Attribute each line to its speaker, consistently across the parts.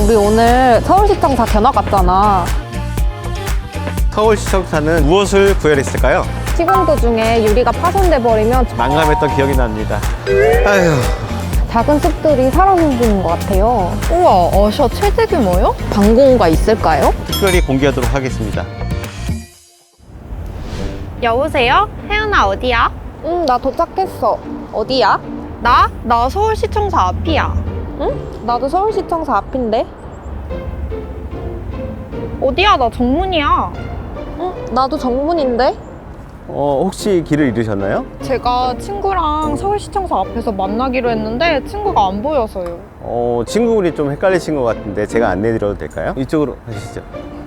Speaker 1: 우리 오늘 서울시청사 견학 갔잖아.
Speaker 2: 서울시청사는 무엇을 구현했을까요?
Speaker 1: 시공 도중에 유리가 파손돼 버리면
Speaker 2: 난감했던 기억이 납니다. 아휴.
Speaker 1: 작은 숲들이 살아 숨지는 것 같아요.
Speaker 3: 우와, 어셔 최대 규모요?
Speaker 1: 방공호가 있을까요?
Speaker 2: 특별히 공개하도록 하겠습니다.
Speaker 3: 여보세요? 혜연아 어디야?
Speaker 1: 응, 나 도착했어. 어디야?
Speaker 3: 나 서울시청사 앞이야.
Speaker 1: 응? 나도 서울시청사 앞인데.
Speaker 3: 어디야? 나 정문이야.
Speaker 1: 응? 나도 정문인데.
Speaker 2: 혹시 길을 잃으셨나요?
Speaker 3: 제가 친구랑 서울시청사 앞에서 만나기로 했는데 친구가 안 보여서요.
Speaker 2: 친구분이 좀 헷갈리신 것 같은데 제가 안내드려도 될까요? 이쪽으로 가시죠.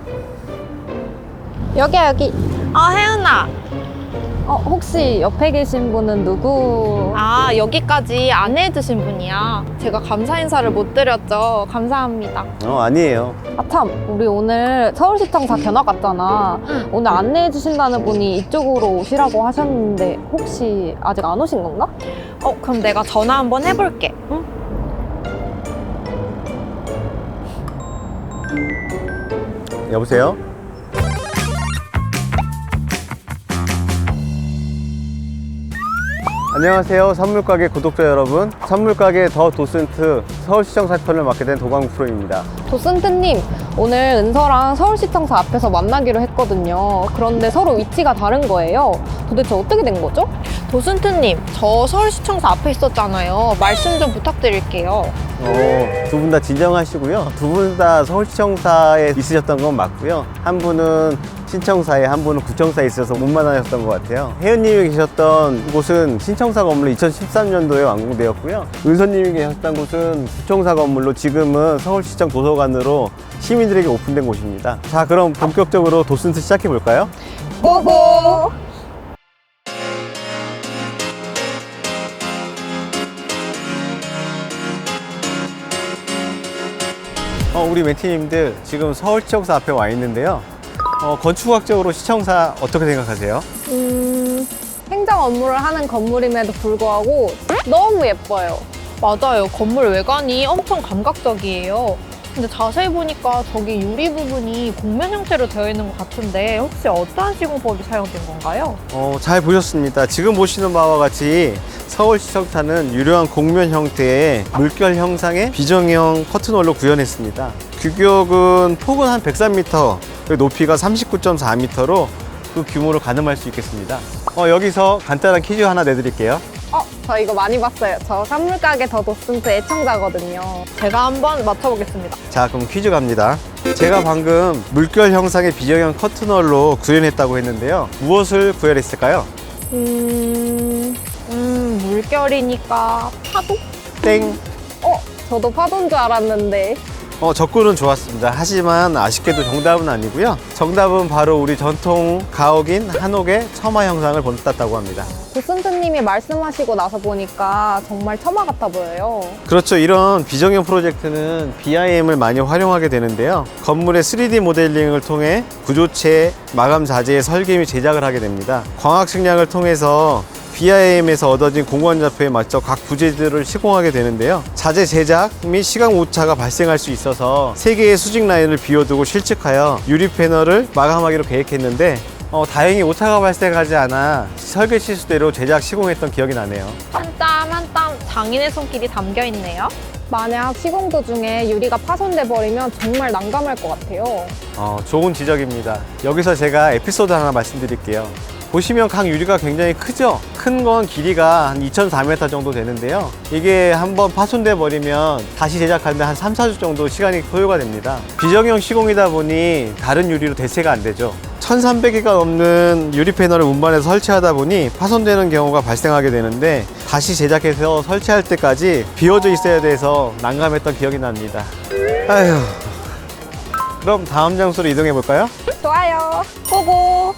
Speaker 1: 여기야, 여기.
Speaker 3: 아, 혜연아.
Speaker 1: 혹시 옆에 계신 분은 누구?
Speaker 3: 아, 여기까지 안내해주신 분이야. 제가 감사 인사를 못 드렸죠. 감사합니다.
Speaker 2: 아니에요.
Speaker 1: 참, 우리 오늘 서울시청사 견학 갔잖아.
Speaker 3: 응.
Speaker 1: 오늘 안내해 주신다는 분이 이쪽으로 오시라고 하셨는데 혹시 아직 안 오신 건가?
Speaker 3: 그럼 내가 전화 한번 해볼게. 응?
Speaker 2: 여보세요? 안녕하세요, 선물가게 구독자 여러분. 선물가게 더 도슨트 서울시청사 편을 맡게 된 도광 프로입니다.
Speaker 1: 도슨트님, 오늘 은서랑 서울시청사 앞에서 만나기로 했거든요. 그런데 서로 위치가 다른 거예요. 도대체 어떻게 된 거죠?
Speaker 3: 도슨트님, 저 서울시청사 앞에 있었잖아요. 말씀 좀 부탁드릴게요.
Speaker 2: 두 분 다 진정하시고요. 두 분 다 서울시청사에 있으셨던 건 맞고요. 한 분은 신청사에, 한 분은 구청사에 있어서 못 만나셨던 것 같아요. 혜연님이 계셨던 곳은 신청사 건물로 2013년도에 완공되었고요. 은서님이 계셨던 곳은 구청사 건물로 지금은 서울시청 도서관으로 시민들에게 오픈된 곳입니다. 자, 그럼 본격적으로 도슨트 시작해 볼까요?
Speaker 1: 고고!
Speaker 2: 우리 멘티님들 지금 서울시청사 앞에 와 있는데요. 건축학적으로 시청사 어떻게 생각하세요?
Speaker 1: 행정 업무를 하는 건물임에도 불구하고 너무 예뻐요.
Speaker 3: 맞아요. 건물 외관이 엄청 감각적이에요. 근데 자세히 보니까 저기 유리 부분이 곡면 형태로 되어 있는 것 같은데 혹시 어떠한 시공법이 사용된 건가요?
Speaker 2: 잘 보셨습니다. 지금 보시는 바와 같이 서울시청사는 유려한 곡면 형태의 물결 형상의 비정형 커튼홀로 구현했습니다. 규격은 폭은 한 103m, 그리고 높이가 39.4m로 그 규모를 가늠할 수 있겠습니다. 여기서 간단한 퀴즈 하나 내드릴게요.
Speaker 1: 저 이거 많이 봤어요. 저 산물가게 더 도슨트 애청자거든요.
Speaker 3: 제가 한번 맞춰보겠습니다.
Speaker 2: 자, 그럼 퀴즈 갑니다. 제가 방금 물결 형상의 비정형 커튼홀로 구현했다고 했는데요. 무엇을 구현했을까요?
Speaker 3: 물결이니까 파도?
Speaker 2: 땡!
Speaker 1: 저도 파도인 줄 알았는데.
Speaker 2: 접근은 좋았습니다. 하지만 아쉽게도 정답은 아니고요. 정답은 바로 우리 전통 가옥인 한옥의 처마 형상을 본땄다고 합니다.
Speaker 1: 도슨트님이 말씀하시고 나서 보니까 정말 처마 같아 보여요.
Speaker 2: 그렇죠. 이런 비정형 프로젝트는 BIM을 많이 활용하게 되는데요. 건물의 3D 모델링을 통해 구조체, 마감 자재의 설계 및 제작을 하게 됩니다. 광학 측량을 통해서 BIM에서 얻어진 공원좌표에 맞춰 각 부재들을 시공하게 되는데요. 자재 제작 및 시간 오차가 발생할 수 있어서 3개의 수직 라인을 비워두고 실측하여 유리 패널을 마감하기로 계획했는데 다행히 오차가 발생하지 않아 설계 실수대로 제작 시공했던 기억이 나네요.
Speaker 3: 한 땀 한 땀 장인의 손길이 담겨있네요.
Speaker 1: 만약 시공 도중에 유리가 파손돼 버리면 정말 난감할 것 같아요.
Speaker 2: 좋은 지적입니다. 여기서 제가 에피소드 하나 말씀드릴게요. 보시면 각 유리가 굉장히 크죠? 큰 건 길이가 한 2,400m 정도 되는데요. 이게 한번 파손돼 버리면 다시 제작하는데 한 3, 4주 정도 시간이 소요가 됩니다. 비정형 시공이다 보니 다른 유리로 대체가 안 되죠. 1,300개가 넘는 유리 패널을 운반해서 설치하다 보니 파손되는 경우가 발생하게 되는데 다시 제작해서 설치할 때까지 비워져 있어야 돼서 난감했던 기억이 납니다. 아휴. 그럼 다음 장소로 이동해 볼까요?
Speaker 1: 좋아요. 고고!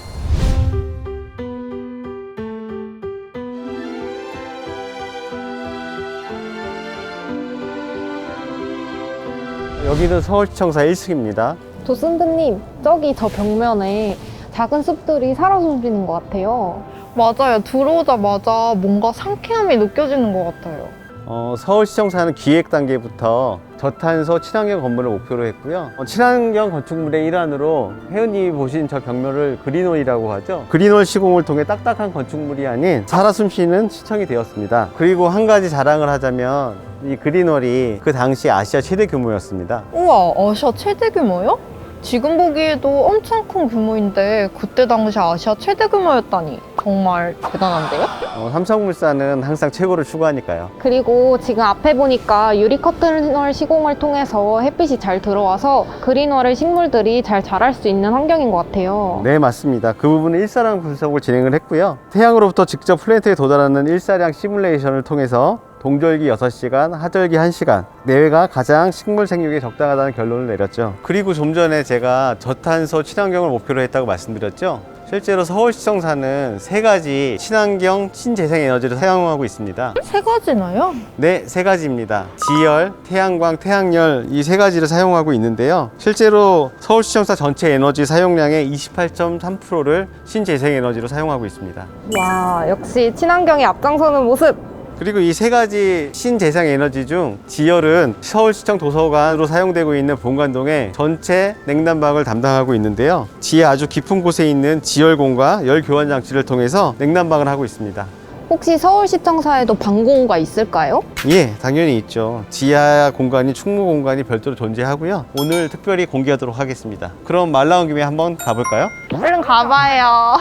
Speaker 2: 여기는 서울시청사 1층입니다.
Speaker 1: 도슨트님, 저기 저 벽면에 작은 숲들이 살아 숨지는 것 같아요.
Speaker 3: 맞아요. 들어오자마자 뭔가 상쾌함이 느껴지는 것 같아요.
Speaker 2: 서울시청사는 기획 단계부터 저탄소 친환경 건물을 목표로 했고요. 친환경 건축물의 일환으로 회원님이 보신 저 벽면을 그린홀이라고 하죠. 그린홀 시공을 통해 딱딱한 건축물이 아닌 살아 숨쉬는 시청이 되었습니다. 그리고 한 가지 자랑을 하자면 이 그린홀이 그 당시 아시아 최대 규모였습니다.
Speaker 3: 우와, 아시아 최대 규모요? 지금 보기에도 엄청 큰 규모인데 그때 당시 아시아 최대 규모였다니 정말 대단한데요?
Speaker 2: 삼성물산은 항상 최고를 추구하니까요.
Speaker 1: 그리고 지금 앞에 보니까 유리 커튼홀 시공을 통해서 햇빛이 잘 들어와서 그린홀의 식물들이 잘 자랄 수 있는 환경인 것 같아요.
Speaker 2: 네, 맞습니다. 그 부분은 일사량 분석을 진행을 했고요. 태양으로부터 직접 플랜트에 도달하는 일사량 시뮬레이션을 통해서 동절기 6시간, 하절기 1시간 내외가 가장 식물 생육에 적당하다는 결론을 내렸죠. 그리고 좀 전에 제가 저탄소 친환경을 목표로 했다고 말씀드렸죠. 실제로 서울시청사는 3가지 친환경 신재생 에너지를 사용하고 있습니다.
Speaker 3: 3가지나요?
Speaker 2: 네, 3가지입니다. 지열, 태양광, 태양열 이 3가지를 사용하고 있는데요. 실제로 서울시청사 전체 에너지 사용량의 28.3%를 신재생 에너지로 사용하고 있습니다.
Speaker 1: 와, 역시 친환경에 앞장서는 모습!
Speaker 2: 그리고 이 3가지 신재생 에너지 중 지열은 서울시청 도서관으로 사용되고 있는 본관동의 전체 냉난방을 담당하고 있는데요. 지하 아주 깊은 곳에 있는 지열공과 열 교환 장치를 통해서 냉난방을 하고 있습니다.
Speaker 1: 혹시 서울시청사에도 방공호가 있을까요?
Speaker 2: 예, 당연히 있죠. 지하 공간이 충무 공간이 별도로 존재하고요. 오늘 특별히 공개하도록 하겠습니다. 그럼 말 나온 김에 한번 가볼까요?
Speaker 1: 얼른 가봐요.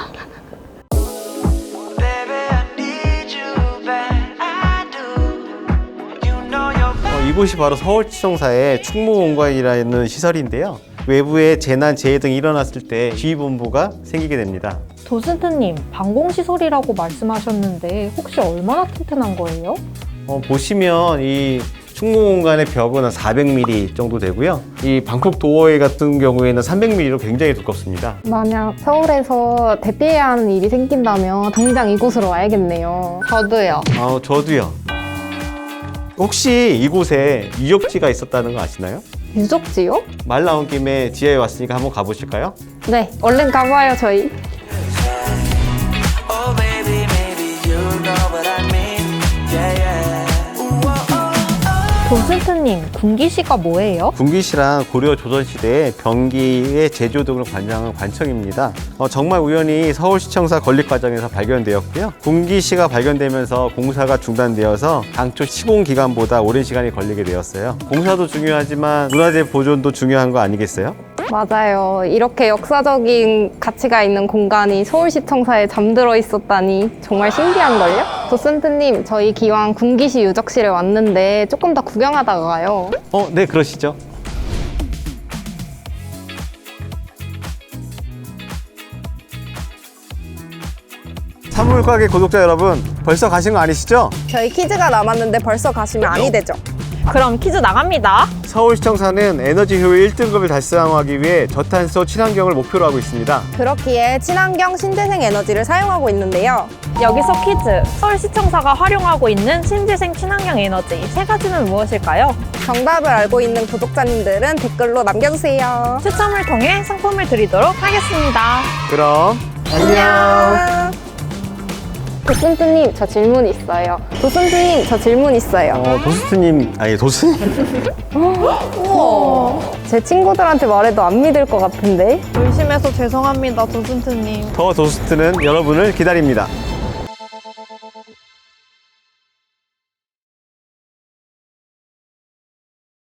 Speaker 2: 이곳이 바로 서울시청사의 충무공관이라는 시설인데요. 외부에 재난, 재해 등이 일어났을 때 지휘본부가 생기게 됩니다.
Speaker 3: 도슨트님, 방공시설이라고 말씀하셨는데 혹시 얼마나 튼튼한 거예요?
Speaker 2: 보시면 이 충무공간의 벽은 한 400mm 정도 되고요. 이 방콕 도어웨이 같은 경우에는 300mm로 굉장히 두껍습니다.
Speaker 1: 만약 서울에서 대피해야 하는 일이 생긴다면 당장 이곳으로 와야겠네요. 저도요.
Speaker 2: 저도요. 혹시 이곳에 유적지가 있었다는 거 아시나요?
Speaker 1: 유적지요?
Speaker 2: 말 나온 김에 지하에 왔으니까 한번 가보실까요?
Speaker 1: 네, 얼른 가봐요, 저희.
Speaker 4: Oh baby, maybe you know what I mean. Yeah, yeah. Ooh, oh, oh, oh.
Speaker 3: 도슨트님, 군기시가 뭐예요?
Speaker 2: 군기시랑 고려 조선시대의 병기의 제조 등을 관장한 관청입니다. 정말 우연히 서울시청사 건립 과정에서 발견되었고요. 군기시가 발견되면서 공사가 중단되어서 당초 시공 기간보다 오랜 시간이 걸리게 되었어요. 공사도 중요하지만 문화재 보존도 중요한 거 아니겠어요?
Speaker 1: 맞아요. 이렇게 역사적인 가치가 있는 공간이 서울시청사에 잠들어 있었다니 정말 신기한걸요? 도슨트님, 저희 기왕 군기시 유적실에 왔는데 조금 더 구경하다가 가요.
Speaker 2: 네, 그러시죠. 산물가게 구독자 여러분, 벌써 가신 거 아니시죠?
Speaker 1: 저희 퀴즈가 남았는데 벌써 가시면 아니 되죠?
Speaker 3: 그럼 퀴즈 나갑니다.
Speaker 2: 서울시청사는 에너지 효율 1등급을 달성하기 위해 저탄소 친환경을 목표로 하고 있습니다.
Speaker 1: 그렇기에 친환경 신재생 에너지를 사용하고 있는데요.
Speaker 3: 여기서 퀴즈. 서울시청사가 활용하고 있는 신재생 친환경 에너지 3가지는 무엇일까요?
Speaker 1: 정답을 알고 있는 구독자님들은 댓글로 남겨주세요.
Speaker 3: 추첨을 통해 상품을 드리도록 하겠습니다.
Speaker 2: 그럼 안녕.
Speaker 1: 도슨트님, 저 질문 있어요. 도슨트님, 저 질문 있어요.
Speaker 2: 도스트님, 아니 도스님.
Speaker 1: 우와. 제 친구들한테 말해도 안 믿을 것 같은데?
Speaker 3: 의심해서 죄송합니다, 도슨트님.
Speaker 2: 더 도스트는 여러분을 기다립니다.